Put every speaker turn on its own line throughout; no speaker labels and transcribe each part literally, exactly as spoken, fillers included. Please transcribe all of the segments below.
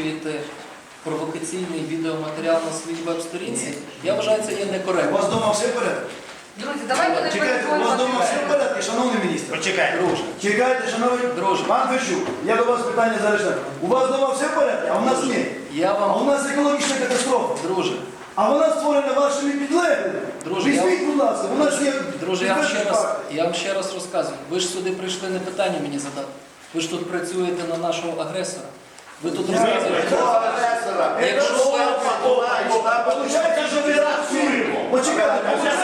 поширюєте провокаційний відеоматеріал на своїй веб-сторінці, я вважаю, це є
У
некоректно.
вас вдома все в порядку?
Друзі, давайте не
Чекайте, у вас вдома все в порядку, шановний міністр?
Почекайте.
Друже,
Чекайте, шановний
Друже.
пан Фещук, я до вас питання зараз. ставлю. У вас вдома все в порядку, а у нас ні.
я
А у
вам,
нас екологічна катастрофа.
друже,
А вона створена вашими підлеглими.
Друже, я-
Візьміть, будь ласка, у нас є...
друже, я вам ще
підтверджені
раз,
факти.
я вам ще раз розказую. Ви ж сюди прийшли не питання мені задати. Ви ж тут працюєте на нашого агресора. Ви тут розказуєте. Якщо ви...
Получається, що ви працюємо. Почекайте,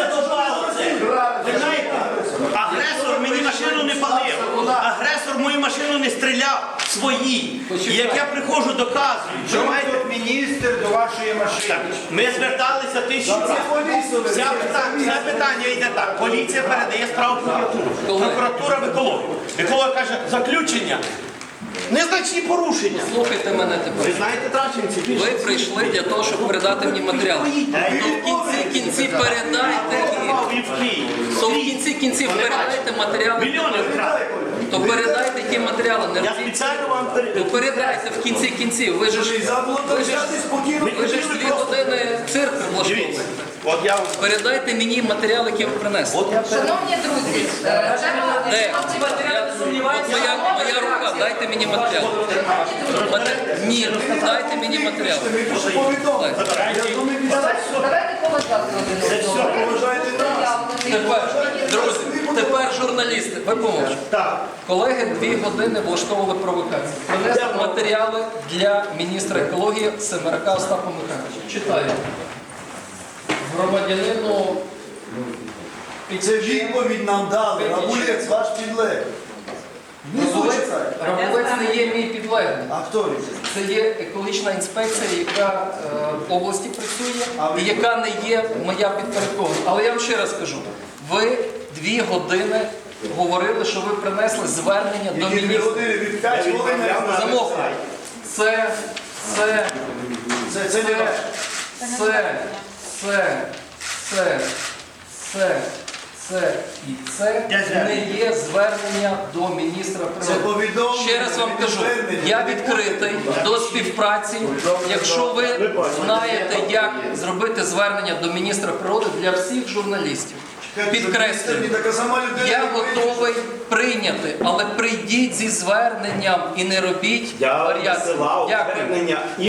Ви знаєте, агресор мені машину не палив, агресор мою машину не стріляв, свої. І як я приходжу, доказую, що маєте...
Міністр до вашої машини.
Так, ми зверталися тисячу разів. Вся питання, все питання йде так. Поліція передає справу прокуратуру. Прокуратура в екологію. Еколог каже, заключення. Незначні порушення.
Слухайте мене тепер.
Ви знаєте Траченці?
Ви прийшли для того, щоб передати мені матеріал. То в кінці кінці передайте їх.
в Київ.
То в кінці кінців передайте матеріали.
Мільйони вкрали.
То передайте ті матеріали. Не
Я
робіть.
спеціально вам
То
передаю.
передайте в кінці кінців. Ви ж ви ж,
Залишати спокійно.
ви ж дві години цирк влаштовуєте.
Дивіться, от я вам...
Передайте мені матеріал, який ви принесли.
От я
Шановні друзі, е, треба...
Де? Я- От моя, моя рука, дайте мені матеріал. Мате- Ні, дайте мені матеріал.
Ми пише повідомлення. Я думаю,
Давайте давайте поважати один одного.
поважайте нас.
Тепер, друзі, тепер журналісти, ви помовчите.
Так.
Колеги дві години влаштовували провокації. Принесли матеріали для міністра екології Семерака Остапа Михайловича. Читаю. Громадянину
Це відповідь нам дали. Рабулець, ваш підлег.
Рабулець, Рабулець не є мій підлеглий.
А хто він?
Це є екологічна інспекція, яка е, в області працює
А ви-
і яка не є моя підпорядкована. Але я вам ще раз кажу, ви дві години говорили, що ви принесли звернення до
Які дві
міністра.
години від п'ять хвилин.
Замовкли. Це, це,
Це, це не ваш.
це, це, це, це, це і це не є звернення до міністра
Це
природи.
повідомлення.
Ще раз вам кажу, я відкритий до співпраці. Якщо ви знаєте, як зробити звернення до міністра природи для всіх журналістів, підкреслюю,
Така сама людина.
я готовий прийняти, але прийдіть зі зверненням і не робіть
Я
варіації.
висилав
Дякую.
звернення.